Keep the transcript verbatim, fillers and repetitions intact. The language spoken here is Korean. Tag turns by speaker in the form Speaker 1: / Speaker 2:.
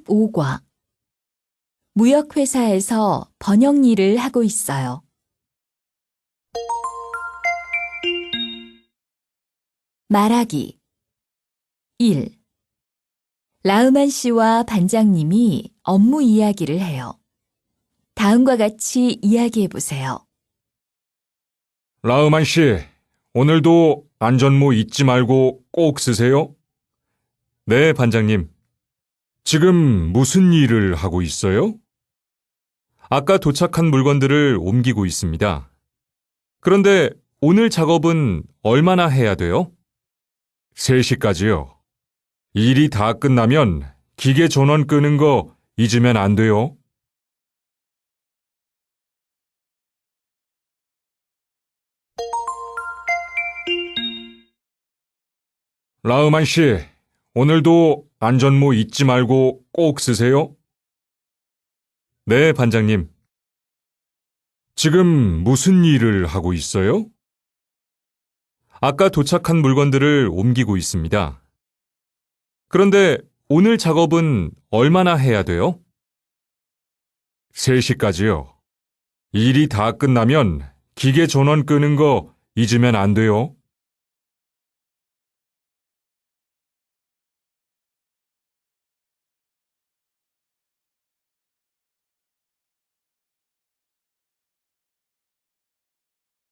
Speaker 1: 십오 과 무역회사에서 번역 일을 하고 있어요. 말하기 일. 라흐만 씨와 반장님이 업무 이야기를 해요. 다음과 같이 이야기해 보세요.
Speaker 2: 라흐만 씨, 오늘도 안전모 잊지 말고 꼭 쓰세요. 네, 반장님. 지금 무슨 일을 하고 있어요? 아까 도착한 물건들을 옮기고 있습니다. 그런데 오늘 작업은 얼마나 해야 돼요? 세 시까지요. 일이 다 끝나면 기계 전원 끄는 거 잊으면 안 돼요. 라흐만 씨, 오늘도 안전모 잊지 말고 꼭 쓰세요. 네, 반장님. 지금 무슨 일을 하고 있어요? 아까 도착한 물건들을 옮기고 있습니다. 그런데 오늘 작업은 얼마나 해야 돼요? 세 시까지요. 일이 다 끝나면 기계 전원 끄는 거 잊으면 안 돼요.